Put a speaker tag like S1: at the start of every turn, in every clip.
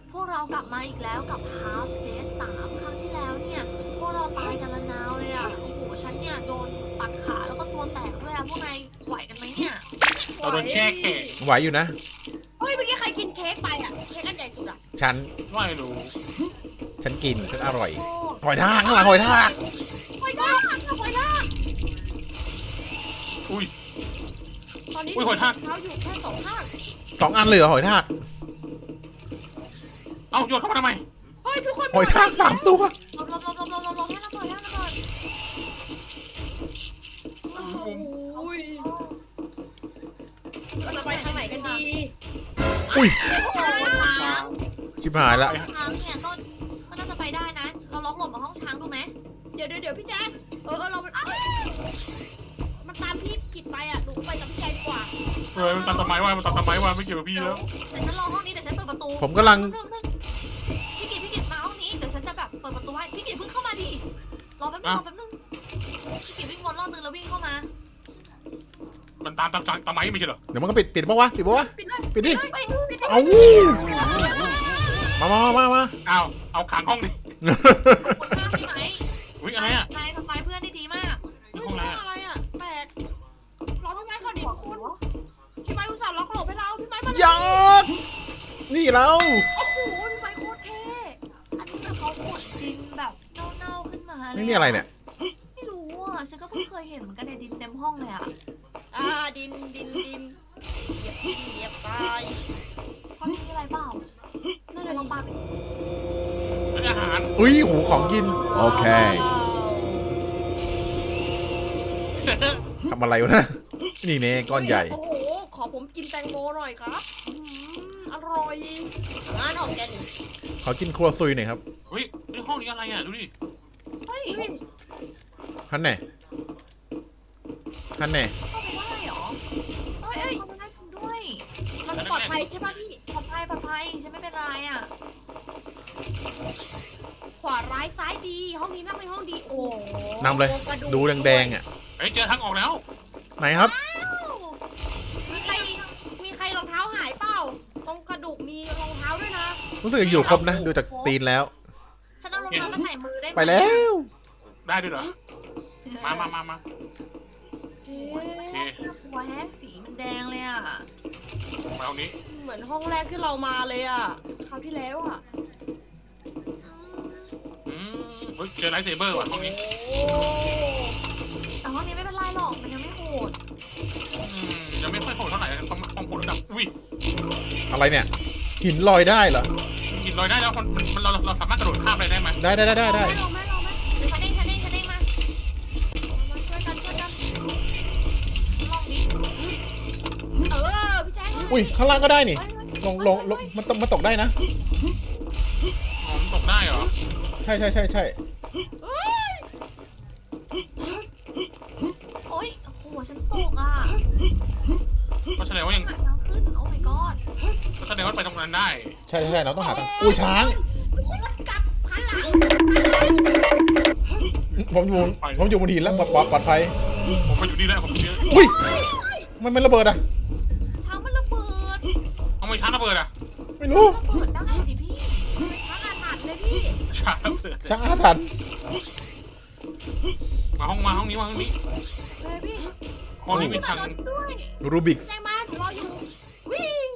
S1: พวกเรากลับมาอีกแล้วกับ Half Death 3ครั้งที่แล้วเนี่ยพวกเราตายกันละนาวเลยอ่ะโอ้โหฉันเนี่ยโดนตัดขาแล้วก็ตัวแตกด้วยอ่ะพวกนายไหวกันไหมเนี่ย
S2: เราโดนแช่แข็ง
S3: ไหวอยู่นะ
S4: เฮ้ยเมื่อกี้ใครกินเค้กไปอ่ะเค้กอันใหญ่สุดอ่ะ
S3: ฉัน
S2: ไม่รู้
S3: ฉันกิน ฉันอร่อย
S1: โอ้
S3: หอยทากข้างหลังหอยทาก
S4: หอยทากหอยทาก
S2: อุ้ย
S4: ตอนนี้
S2: อุ๊ยหอยทาก
S4: เท้าอยู่แค่สองข้าง
S3: 2 อันเลยเหรอหอยทาก
S2: เอ้าโยนเข้ามาทำไม
S4: เฮ้ยทุกคน
S3: หอยทาก3 ตัว
S1: ลบให้ระเบิดให้ระเบิด
S4: โอ้ยเราจะไปทางไหนกันดี
S3: อุ้ย
S1: เจอช้าง
S3: ชิบหายแล้ว
S1: ช้างเนี่ยต้นมันน่าจะไปได้นะ เราล็อกหลบมาห้องช้างดูไหม
S4: เดี๋ยวพี่แจ๊คเรามันตามพี่กิดไปอ่ะหนูไปกับพี่แจ๊คดีกว่า
S2: เฮ้ยมันตัดต้นไม้ว่ามันตัดต้นไม้ว่าไม่เกี่ยวกับพี่แล้ว
S1: เดี๋ยวฉันรอห้องนี้เดี๋ยวฉันเปิดประตู
S3: ผมกำลัง
S1: นึงพี่กิตมาห้องนี้เดี๋ยวฉันจะแบบเปิดประตูให้พี่กิตเพิ่งเข้ามาดิรอแป๊บนึงพี่กิตวิ่งวนรอบนึงแล้ววิ่งเข้ามา
S2: มันตามต้นไม้ไม่ใช่เหรอ
S3: เดี๋ยวมันก็ปิดปะวะ ปิดปะวะ
S4: ปิดเลย
S3: ปิดดิ
S1: ไป
S3: เอามา
S2: เอาขังห้องดิ
S1: คนมากใช่ไหม
S2: อุ้ยอะไรอ่ะ
S1: นายทำลายเพื่อนได้ดีมาก
S4: เฮ้ย
S2: ห้องอะไร
S4: ห้อง
S2: อ่ะ
S4: อะไรอ่ะแปลกรอพี่ไม้ก่อนดิทุกคนพี่ไม้อุตส่าห์ล็อกหลบให้เราพี่ไม้มา
S3: ยักนี่เรา
S4: โอ้โหพี่ไม้โคตรเท่
S1: อันนี้แบบเขาขุดดินแบบเน่าๆขึ้นมาเลย
S3: นี่อะไรเนี่ย
S1: ไม่รู้อ่ะฉันก็เพิ่งเคยเห็นเหมือนกันในดินเต็มห้องเลยอ่ะ
S4: ดินเหยียบตาย
S1: ห้องนี้มีอะไรเปล่า
S4: นั่น
S1: เดี๋ยว
S4: แห
S1: ล
S4: ละ
S1: องปาไป
S2: เป็นอาหาร
S3: อุ้ยหูของกิน โอเค ทำอะไรวะนะ นี่เน่ก้อนใหญ่
S4: โอ้โหขอผมกินแตงโมหน่อยครับอร่อยงานออกแกนี่
S3: ขอกินครัวซุยหน่อยครับ
S2: เฮ้ยห้องนี้อะไรอ่ะดูดิ
S1: เฮ้ย
S3: ท่านแน่ท่านแน่
S1: เข้าไปได้เหรอ
S4: เอ้ย
S1: เข้าไปได้จริงด้วย
S4: มันปลอดภัยใช่ป่ะพี่
S1: ปลอดภัยฉันไม่เป็นไรอ่ะ
S4: ขวาร้ายซ้ายดี ห้องนี้น่าเป็นห้องดี โอ้โห
S3: นำเลย
S4: กระ
S3: ดูแดงๆอ่ะ
S2: เฮ้ยเจอทางออกแล้ว
S3: ไหนครับ
S4: มีใครรองเท้าหายเปล่า ตรงกระดูกมีรองเท้าด้วยนะ
S3: รู้สึกอยู่ครบนะ ดูจากตีนแล้ว
S1: ฉันเอารองเท้ามาใส่มือได้หม
S3: ไปแล้ว
S2: ได้ด้วยเหรอมา
S4: เอ๊
S2: โอะ เค
S1: หัวแห้งสีมันแดงเลยอ่ะ
S2: มาห้องนี้
S4: เหมือนห้องแรกที่เรามาเลยอ่ะ คราวที่แล้วอ่ะ
S2: เฮ้ยเจอไลท์เซเบอร์ว่ะห้องนี้
S4: โอ้
S1: แต่ห้องนี้ไม่เป็นไรหรอกมันยังไม่โหด
S2: ยังไม่ค่อยโหดเท่าไหร่ความโหดระดับอุ้ย
S3: อะไรเนี่ย หินลอยได้เหรอ
S2: กินลอยได้แล้วเราสามารถกระโดดข้ามอะไรได้ไหม
S3: ได้
S4: ลองไหมลองไหม
S1: เดี๋ยวฉันเด้งมา
S4: มาช่วยกัน
S1: ลองดิ
S4: พี่แจ๊ค
S3: อุ้ย ข้างล่างก็ได้นี่
S1: เฮ้ย
S3: ลงมันตกได้นะ
S2: อ๋อมันตกได้เหรอ
S3: ใช่
S4: เอ้ย
S1: โอ๊ยโอ้โหฉันตกอ่ะ
S2: ก็แสดงว่ายัง
S1: หาทางขึ้นโอ้ my god
S2: ก็แสดงว่าไปตรงนั้นได้
S3: ใช่เราต้องหาทางอุ้ยช้าง
S4: ทุกคนกลับหันหลัง
S3: ผมอยู่บนหินแล้วปลอดภัย
S2: ผมไปอยู่นี่แล้วผมอยู่นี่
S3: อุ้ยมันไม่ระเบิดอ่ะ
S1: ช้างมันระเบิด
S2: เอาไม่ช้าระเบิดอ่ะ
S3: ไม่รู้
S1: ระเบิดได้ดิพี่
S4: ทั้งอาถรรพ์เลยพี่
S2: ช้าระเบิด
S3: ช้างอาถรรพ์
S2: มาห้องนี้
S4: เลยพี่
S2: ห้องนี้มีทาง
S1: รถด้วย
S3: รูบิก
S4: แจ้งมาหนูรออยู่
S1: วิ่ง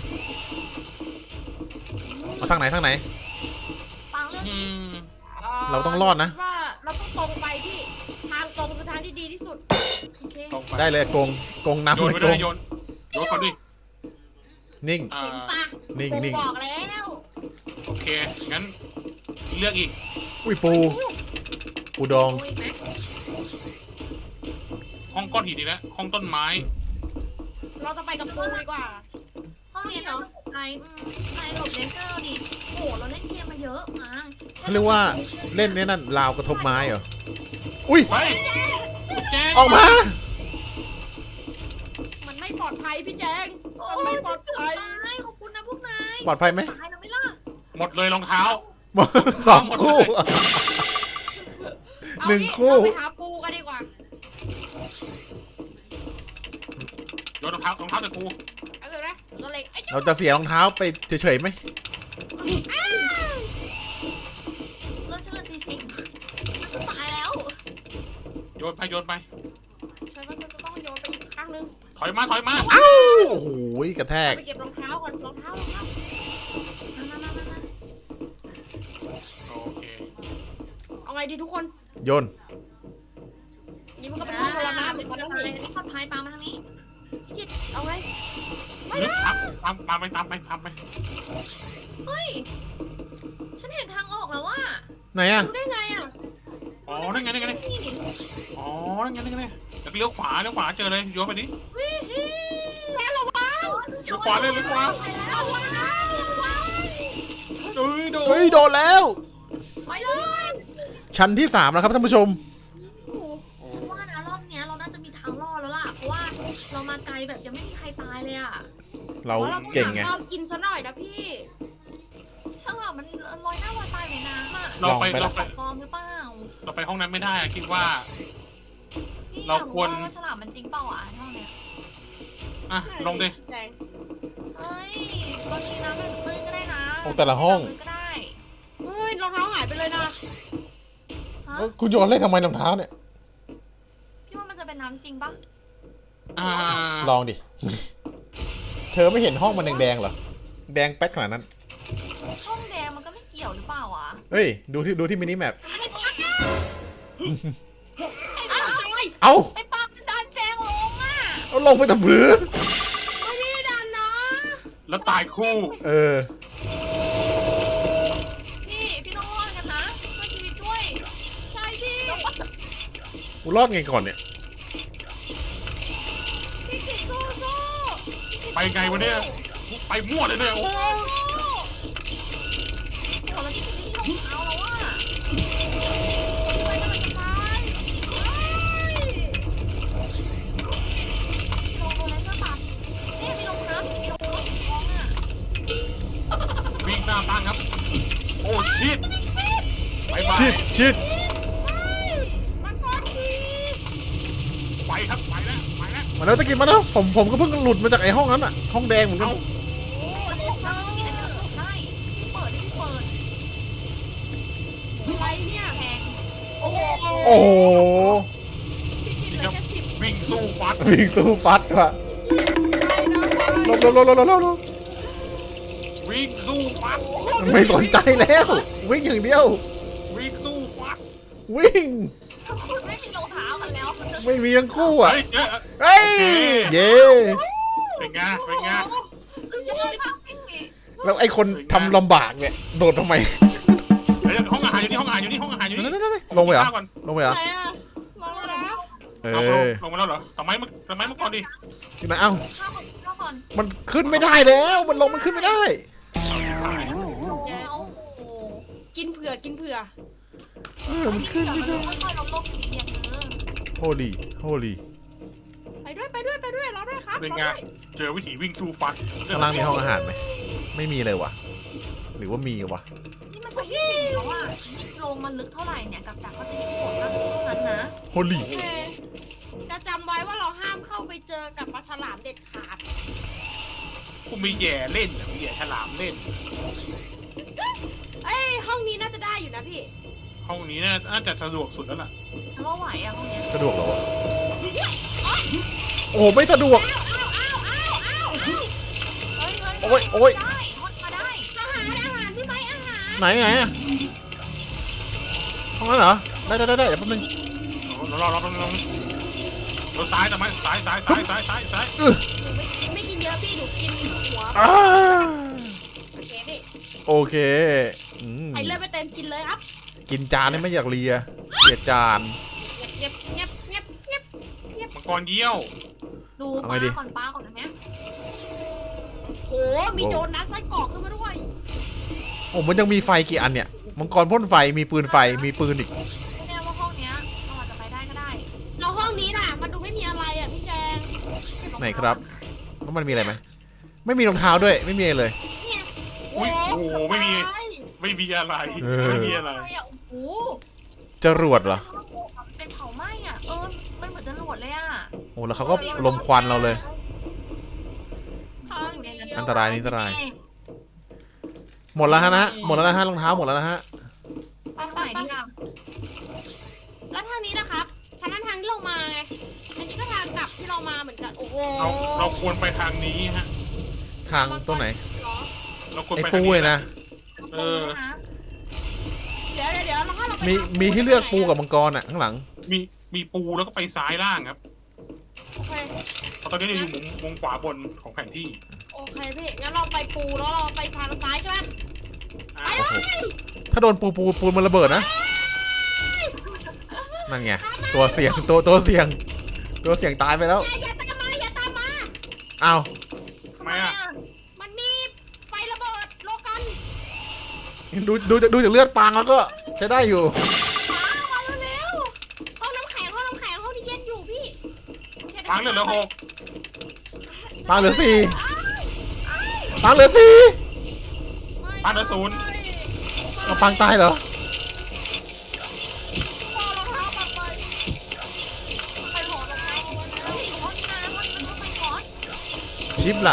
S3: เอาทางไหน
S1: ปังเรื่อง
S2: อื
S1: นี้
S2: ม
S3: เราต้องรอดนะ
S4: ว่าเราต้องตรงไปพี่ ทางตรงคือทางที่ดีที่สุด
S1: โอเค
S2: ตรงไป
S3: ได้เลยกงน้ำ
S2: โยน
S3: เลย
S2: ไป
S3: ก
S2: ด้วย
S3: ง
S2: โยนก่อนดิ
S3: นิ่ง
S4: เห็นปะ
S3: นิ่ง
S4: ผมบอกแล้ว
S2: โอเคงั้นเลือกอีก
S3: อุ้ยปูดอง
S1: โอ้ยไหม
S2: ห้องก้อนหินดีแล้วห้องต้นไม้
S4: เราจะไปกับปูดีกว่า
S1: ห้องนี้เนาะนายหลบเลเซอร์ดิโอ้โหเราเล่นเกมมาเยอะมา
S3: เขาเรียกว่าเล่นเนี่ยนั่นราวกระทบไม้เหรอ อุ้ย
S2: ไปแจ้ง
S3: ออกมา
S4: มันไม่ปลอดภัยพี่แจง
S1: โอ้
S4: มันไม่ปลอดภัย
S1: ตายขอบคุณนะพวกนาย
S3: ปลอดภัยไหม
S1: ตายแล้วไม่ล่ะ
S2: หมดเลยรองเท้า
S3: 2 คู่
S4: เอา
S3: หนึ่ง
S4: งี้
S3: คู่
S4: เราไปหาปูกันดีกว่า
S2: โยนรองเท้าใส่กู
S4: เอาเถอะนะเราเล็งไอ้เจ้า
S3: เราจะเสียรองเท้าไปเฉยๆไหม
S2: โยนไปโยนไป
S4: ฉันว่าฉันจะต้องโยนไปอีกข้างนึง
S2: ถอยมาถอยมา
S3: เอ้าโอ้โหกระแทก
S4: ไปเก็บรองเท้าก่อนรองเท้า
S1: มา
S2: โอเค
S4: เอาไงดีทุกคน
S3: โยน
S4: นี่มันก็เป็นห้องพลนะ
S1: เป็น
S4: มัน
S1: อะ
S4: ต้อง
S1: ไร
S4: มี
S1: นี่ปลอดภัยปามาทางนี้
S4: กิดเอาไง
S2: ลึกตามไปตามไป
S1: เฮ้ย ฉันเห็นทางออกแล้วว่า
S3: ไหนอะ
S4: รู้ได้ไงอ่ะ
S2: อ๋อนั่นไงนั่นไง
S1: นี่
S2: อ๋อนั่นไงนั่นไงแล้วเลี้ยวขวาเจอเลยโยนไปดิ
S4: แล้วระวัง
S2: เลี้ยวขวาเลยเลี้ยวขวา
S4: ระวัง
S2: เฮ้ยโด
S3: เฮ้ยโดนแล้ว
S1: ไปเลย
S3: ชั้นที่3แล้วครับท่านผู้ชม
S1: ฉันว่านะรอบเนี้ยเราน่าจะมีทางรอดแล้วล่ะ เพราะว่าเรามาไกลแบบยังไม่มีใครตายเลยอ่ะ
S3: เราเก่งไง
S4: เรากินซะหน่อยนะพี่
S1: ช่างว่ามันลอยหน้าลอยตายในน้ำอ่ะ
S2: เราไป
S1: ปลอมหรือเปล่า
S2: เราไปห้องนั้นไม่ได้อะคิดว่า
S1: พี่
S2: เราควร
S1: ว่าฉลามมันจริงเปล่าอ่ะเท่าเนี้ย
S2: อ่ะลงดิ
S4: แดง
S1: เอ้ยบางทีน้ำมันตื้นก็ได้นะ
S3: โอ้แต่ละห้อง
S1: ตื้นก็ได้
S4: เฮ้ยรองเท้าหายไปเลยนะ
S1: ฮะ
S3: คุณโยนเล่นทำไมรองเท้าเนี่ย
S1: พี่ว่ามันจะเป็นน้ำจริงปะ
S2: อ่า
S3: ลองดิ เธอไม่เห็นห้องมันแดงๆเหรอ แดงแป๊ดขนาดนั้น
S1: ห้องแดงมันก็ไม่เกี่ยวหรือเปล่าอ่ะ
S3: เฮ้ย ดูที่มินิแมป
S4: อ้าวตาย
S3: เอ้า
S1: ไอ้ปลามันดันแดงลงอ่ะ
S3: เอาลงไปทำหรือ
S4: ไม่ได้ดันนะ
S2: แล้วตายคู่
S3: เออ
S1: พี่ต้องรอดกันนะช่วยชีวิตด้วย
S4: ใช่พี่
S3: กูรอดไงก่อนเนี่ย
S4: พี่กิดสู้สู้
S2: ไปไงวะเนี่ยไปมั่วเลยเนี่ยโอ้
S1: โอ้โหแล้วที่ไม่รองเท้าแล้วอ่ะไปกำลังจะตายลงอะไรก็ตัดเนี่ยมีรองเท้ามีรองเท้าสีทองอ่ะ
S2: วิ่งหน้าตั้งครับ โอ้ชิดไปไป
S3: ชิด
S4: มันก้อนชี
S2: ไปครับไปแล้ว
S3: มาแล้วตะกี้มาแล้วผมก็เพิ่งหลุดมาจากไอ้ห้องนั้นอะห้องแดงเหมือนกัน
S2: เอา
S1: โอ้ยรองเท้าที่ไหนมันตกได้ที่เปิด
S4: อะไรเนี่ย
S1: แพง
S4: โอ้โห
S3: โอ้โห
S4: พี่กิดเหลือแค่10
S2: วิ่งสู้ฟัด
S3: วิ่งสู้ฟัดว่ะ
S4: ไปนะไป
S3: ลบ
S2: วิ่งสู้ฟัด
S3: ไม่สนใจแล้ว วิ่งอย่างเดียว
S2: วิ่งสู้ฟัด
S3: วิ่ง
S1: คุณไม่มีรองเท้ากันแล้ว
S3: ไม่มีทั้งคู่อ่ะ
S2: เฮ้ย
S3: เฮ้ย เย้
S2: เป็นไงเป็นไง
S1: เยอะมากพี่
S3: แล้วไอ้คนทำลำบากเนี่ย โดดทำไม
S2: เฮ้ยห้องอาหารอยู่นี่ห้องอาหารอยู่นี่ห้องอาหารอยู่นี่
S3: นั่นลงไปเหรอ
S2: ก่อน
S3: ลงไปเหรอ
S4: ไหนอะลงแล้ว
S3: เอ
S2: เอา
S3: อ
S2: ลงมาแล้วเหรอทำไมมันก่อนดิ
S3: อยู่ไหนเอ้า
S1: ข้าวก่อน
S3: มันขึ้นไม่ได้แล้ว มันลงมันขึ้นไม่ได้
S1: เอาโอ้
S4: กินเผื่อกินเผื่อ
S3: มันขึ้นไม่ได้
S1: ค่อยๆลงโลกอีกอย่างนึง
S3: โฮลี่โฮลี่
S4: ไปด้วยรอด้วยครับ
S2: เป็น
S4: รอ
S2: ไง
S4: ด้วย
S2: เจอวิถีวิ่งสู้ฟัด
S3: ข้างล่างมีห้องอาหารไหม ไม่มีเลยวะหรือว่ามีวะ
S1: นี่มันใช่ที่สี่แล้วอ่ะยิ่งลงมันลึกเท่าไหร่เนี่ยกับดักก็จะยิ่งโหดมากเท่านั้นนะ
S3: โฮลี่
S4: โอเคจะจำไว้ว่าเราห้ามเข้าไปเจอกับปลาฉลามเด็ดขาด
S2: กูมีแย่เล่นมีแย่ฉลามเล่น
S4: เอ้ยห้องนี้น่าจะได้อยู่นะพี่
S2: ห้องนี้น่าจะสะดวกสุดแล้วล่ะ
S1: ฉันว่าไหวอ่ะห้องเนี้ย
S3: สะดวกเหรอวะ โอ้ไม่สะดวก
S1: เฮ้ย
S3: โอ้ย
S1: ได้ฮอตมาได้
S4: อาหารพี่ไม้อาหาร
S3: ไหนอะห้องนั้นเหรอ ได้เดี๋ยวแป๊บนึง
S2: รอซ้ายทำไมซ้าย
S4: หนูไม่กินเยอะพี่หนูกินหัว
S3: อ่า
S4: โอเคพี่
S3: โอเคอืม
S4: ใส่เลือดไปเต็มกินเลยครับ
S3: กินจานนี่ไม่อยากเลียเลียจาน
S4: เงียบเงียบเงียบเงียบ
S2: มังกรเยี่ยว
S1: ดูปลาก่อนนะเนี่ย
S4: โหมีโดนนัดไส้กรอกขึ้นมาด้วย
S3: โอ้มันยังมีไฟกี่อันเนี่ย มังกรพ่นไฟ มีปืนไฟ มีปืนอีก
S1: ไม่แน่ว่าห้องเนี้ยเราอาจจะไปได้ก็ได้
S4: เราห้องนี้น่ะมันดูไม่มีอะไรอ่ะพี่แจง
S3: ไหนครับแล้วมันมีอะไรไหม ไม่มีรองเท้าด้วย ไม่มีอะไรเลย
S4: เนี่ย
S2: อุ้ยโอ้โหไม่มีอะไร ไม่มีอะไร
S1: อะไรอ่ะโอ้โห
S3: จรวดเหรอ
S1: เป็นเผาไหม้อ่ะมันเหมือนจะหลวดเลยอ่ะ
S3: โอ้แล้วเขาก็ลมควันเราเลย
S4: ห้องนี้
S3: อันตรายนี่อันตราย หมดแล้วฮะหมดแล้วนะฮะรองเท้าหมดแล้วนะฮะ
S1: ไปไหนดีอ่ะ
S4: แล้วทางนี้นะครับทางนั้นทางที่เรามาไง อันนี้ก็ทางกลับที่เรามาเหมือนกัน โอ้โห
S2: เราควรไปทางนี้ฮะ
S3: ทางตรงไหน
S4: เหรอ
S2: เราควร
S3: ไอ้
S2: ไป
S3: ปู
S2: ทางนี้
S3: เลยนะ
S2: เออ
S1: นะ
S4: เดี๋ยวแล้วถ้าเราไป
S3: มีให้เลือกปูกับมังกรอ่ะข้างหลัง
S2: มีปูแล้วก็ไปซ้ายล่างครับ
S4: โอเค
S2: เพราะตอนนี้เราอยู่มุมขวาบนของแผนที่
S4: โอเคพี่ งั้นเราไปปูแล้วเราไปทางซ้ายใช่ไหม
S2: อ่า
S4: ไปเลย
S3: ถ้าโดนปูมันระเบิดนะ นั่นไง ตัวเสี่ยง ตัวเสี่ยง ตัวเสี่ยงตายไปแล้ว
S4: อย่าตามมา อย่าตามมา
S3: อ้าว
S2: ทำไมอ่ะ
S4: มันมีไฟระเบิดโลกัน
S3: ดูจากเลือดปางแล้วก็จะได้อยู่
S1: มาเร็ว
S4: ห้องน้ำแข็งห้องที่เย็นอยู่พี่
S2: ปังเหลือ6
S3: ปางเหลือ4ปางเหลือ4
S2: ปังเหลือ0
S3: เอาปางตายเหรอ
S1: ไปหอรองเท้าเอาไว้แล้วห้องนี้นะห้องนี้ไปก่อน
S3: ชิปล่ะ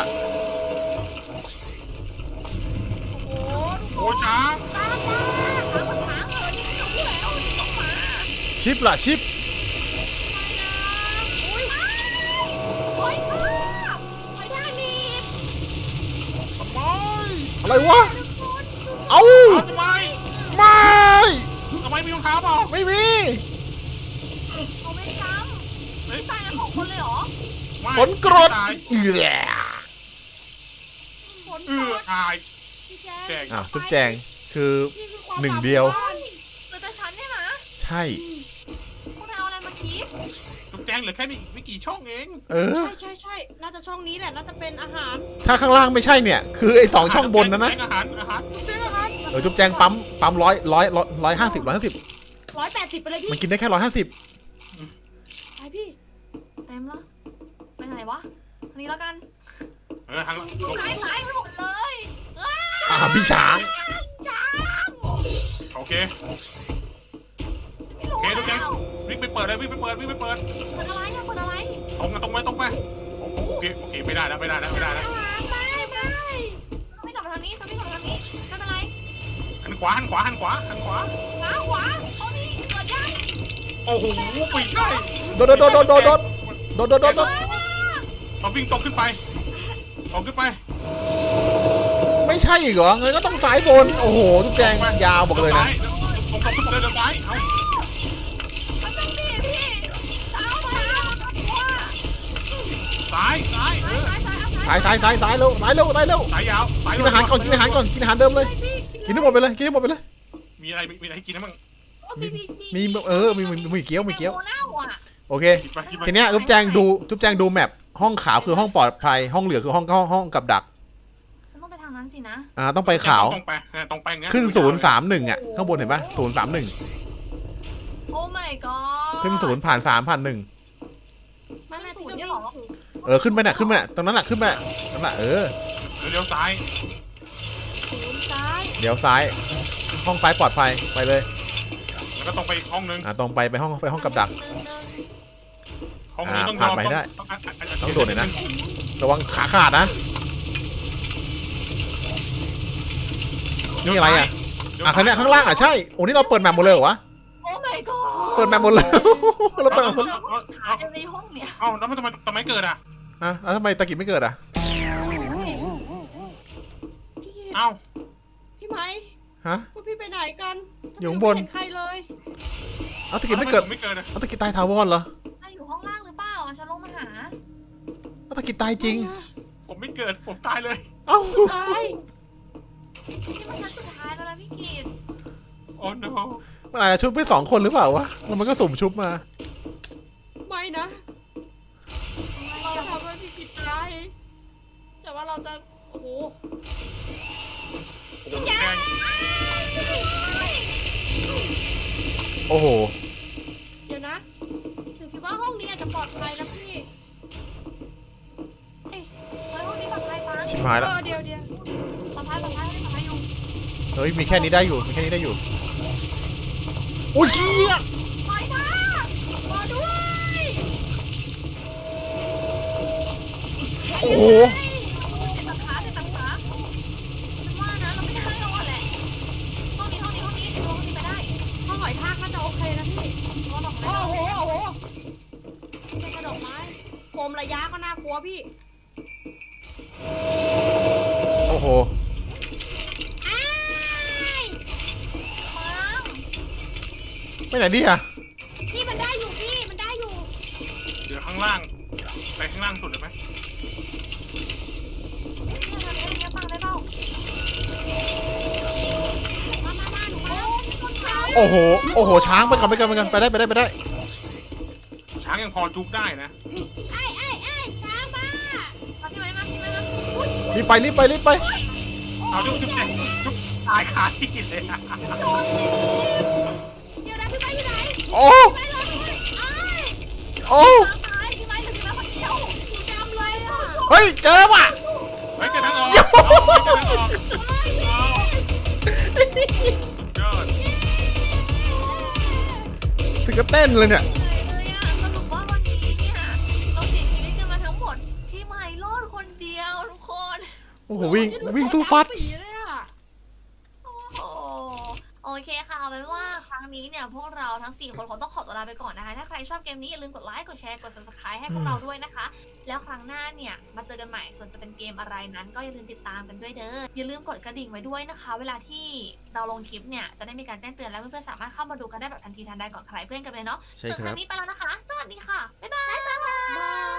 S4: โอ้โห
S2: โอ้ช้า
S1: ตามมาหาปัญหาเลยนี่ต้องพูดแล้วนี่ต้องมา
S3: ชิปล่ะ ชิป
S1: อุ้ยโอ้ยภาพ
S4: ไปได้นี่
S2: ทำไม
S3: อะไรวะ เอ้า
S2: เอาทำไม
S3: ไม่
S2: ทำไมมีรองเท้าเปล่า
S3: ไม่มี
S1: เขาไม่จำไม่ตายกันของคนเลยเหรอ
S2: ไม่
S3: ผลกรด
S2: ตาย
S3: เอือ
S4: ฝน
S2: ตาย
S4: พี่
S2: แจง
S3: อ่ะจุ๊บแจง คือ
S4: นี่คือความ
S3: หนึ่งเดียว
S1: เหลือแต่ฉันเนี่ยนะ
S3: ใช่
S1: พวกนายเอาอะไรมาคิด
S2: จุ๊บแจงเหลือแค่ไม่กี่ช่องเอง
S3: เออ
S4: ใช่ น่าจะช่องนี้แหละ น่าจะเป็นอาหาร
S3: ถ้าข้างล่างไม่ใช่เนี่ย คือไอ้2ช่องบนนะนะ
S2: อาหารจุ๊บแจงอาหาร
S3: จุ๊บแจงปั๊ม150
S4: 180ไปเลยพี่
S3: มันกินได้แค่150
S4: ไปพี่
S1: เต็มแล้วไปไหนวะอันนี้แล้วกัน
S2: ทาง
S1: หายไปหมดเลยอ้า
S3: พี่ช้าง
S1: จ้า
S2: โอเค
S1: ไม่รู้
S2: โอเคทุกแก๊ง
S1: แล้ว
S2: วิ่งไปเปิดเลยวิ่งไปเปิด
S1: เปิดอะไรอะเปิดอะไร
S2: ตรงไปโอเคไม่ได้แล้ว
S4: อาหารไป
S1: ไม่กลับมาทางนี้ไม่เป็นไร
S2: หันขวา
S1: ขวาเอานี่เปิดยัง
S2: โอ้โหปิดได้
S3: โดด
S2: เราวิ่งตรงขึ้นไป
S3: ไม่ใช่อีกเหรองั้นก็ต้องสายบน โอ้โหจุ๊บแจงยาวบอกเลยนะ
S2: ตรงขึ้นไปเลยเดี๋ยวซ้ายเอา
S1: มันเป็นพี่เท้าว่า
S2: ซ้ายเออ
S3: สายเร็วสายยาว
S2: สายยาว
S3: กินอาหารก่อนกินอาหารเดิมเลย กินให้หมดไปเลย
S2: มีอะไรให้กินนะมึง
S3: มีเกี๊ยว
S1: โน่าอ่ะ
S3: โอเค
S2: กินไป
S3: ทีเนี้ยจุ๊บแจงดูแมปห้องขาวคือห้องปลอดภัย ห้องเหลืองคือห้องกับดัก
S1: ฉันต้องไปทางนั้นสินะ
S3: ต้องไปขาว
S2: ตรงไปงั้น
S3: ขึ้น031อ่ะ ข้างบนเห็นปะ031
S1: โอ้ my god
S3: ขึ้น0ผ่าน3ผ่าน1
S1: มันเป็นศูนย์เนี่ยเหรอ
S3: ขึ้นไปน่ะตรงนั้นน่ะขึ้นไปนั่นน่ะ
S2: เลี้ยวซ้าย
S1: ศูนย์ซ้าย
S3: เดี๋ยวซ้าย ห้องซ้ายปลอดภัยไปเลย
S2: แล้วก็ตรงไปอีกห้องนึง
S3: ตรงไปห้องกับดัก
S2: ห้องนี้ต้อง
S3: ผ่านไปได้ต้องโดดหน่อยนะ ระวังขาขาดนะ นี่อะไรอ่ะข้างเนี้ยข้างล่างอ่ะใช่โอ้นี่เราเปิดแมปหมดเลยเหรอวะ
S1: โอ้ my god
S3: เปิดแมปหมดเลยเราเปิดแมปหมด
S1: หายในห้องเนี่ย
S2: เอ้าแล้วมันทำไมเกิดอ่ะ
S3: แล้วทำไมตะกี้ไม่เกิดอ่ะ
S4: พี่กิต
S2: เอ้า
S4: พี่ไหม
S3: ฮะ
S4: พวกพี่ไปไหนกัน
S3: อยู่ข้างบน
S4: ไม่เห็นใครเลย
S3: เอาตะกี้ไม่เกิด
S2: ไม่เกิดอ่ะ
S3: เอาตะกี้ตายถาวรเหรอ
S1: อยู่ห้องล่างหรือเปล่าฉันลงมาหา
S3: เอาตะกี้ตายจริง
S2: ผมไม่เกิดผมตายเลย
S3: เอ้า
S4: ตาย
S1: นี่มันชั้นสุดท้ายแล้วนะพี่กีด
S2: โอ้ no
S3: มันอาจจะชุบไป2 คนหรือเปล่าวะแล้วมันก็สุ่มชุบมา
S4: ไม่นะ เราทำให้พี่กิตตายแต่ว่าเราจะ โอ้โห
S2: แกง
S3: โอ้โห
S4: เดี๋ยวนะหนูคิดว่าห้องนี้อาจจะปลอดภัยแล้วพี่
S1: เฮ้ยห้องนี้ปลอดภัยปะ
S3: ชิบหายแล้ว
S4: เดี๋ยว
S1: ปลอดภัยอยู่
S3: เฮ้ยมีแค่นี้ได้อยู่โอ้ยเชี่ย
S1: ปล่อยนะรอด้วย
S3: โอ้โห
S1: เจ็บตังขาฉันว่านะเราไม่ได้แล้วแหละห้องนี้เดี๋ยวห้องนี้ไปได้
S4: ห้องหอยทากน่าจะโอเคนะพี่
S1: ห้องดอกไม้
S4: โอ้โหำระยะก็น่ากลัวพี่
S3: โอ้โห
S4: อ้าย
S1: ปัง
S3: ไปไหนดีอะ
S4: พี่มันได้อยู่พี่มันได้อยู่
S2: เดี๋ยวข้างล่าง ไปข้างล่างสุดเลยไหม
S1: เนี่ยปังได้เปล่า
S4: มาหนูมา
S3: โอ้โห โอ้โห ช้างไปก่อนไปได้ไปได้
S2: ช้างยังพอจุกได้นะ
S4: ไอ้ช้างมา
S1: มาพี่ไว้มาพี่ไว้มาอุ๊ย
S3: รีบไป
S2: เอาจุกจุกตายขาที่เลยอะ
S4: เดี๋ยวนะพี่ไปอยู่ไหน
S3: โอ้
S4: ไปรอด้วยไอ้าย
S3: โอ้
S1: ตายพี่ไว้เหลือพี่ไว้คนเดียว
S4: หนูจำเลยอ่ะ
S3: เฮ้ย เจอว่ะ
S2: เฮ้ยเจอทางออกเอาเจอทางออกเอายอด
S3: ถึงก็เต้นเลยเนี่ย
S1: เลยอะสรุปว่าวันนี้เนี่ยเราเสียชีวิตกันมาทั้งหมดพี่ไม้รอดคนเดียวทุกคน
S3: โอ้โห วิ่งสู้ฟัด
S4: ปีเลยอ่ะ
S1: โอ้โหโอเคค่ะเอาเป็นว่าครั้งนี้เนี่ยพวกเราทั้ง4คนคงต้องขอตัวลาไปก่อนนะคะถ้าใครชอบเกมนี้อย่าลืมกดไลค์กดแชร์กด subscribe ให้พวกเราด้วยนะคะ แล้วครั้งหน้าเนี่ยมาเจอกันใหม่ส่วนจะเป็นเกมอะไรนั้นก็อย่าลืมติดตามกันด้วยเด้ออย่าลืมกดกระดิ่งไว้ด้วยนะคะ เวลาที่เราลงคลิปเนี่ยจะได้มีการแจ้งเตือนและเพื่อนๆสามารถเข้ามาดูกันได้แบบทันทีทันใดก่อนใครเพื่อนกันเลยเนาะ
S3: ใช่
S1: ส่วน
S3: ค
S1: ค
S3: รั
S1: รั้
S3: บ
S1: งนี้ไปแล้วนะคะ สวัสดีค่ะบ๊ายบาย
S4: บาย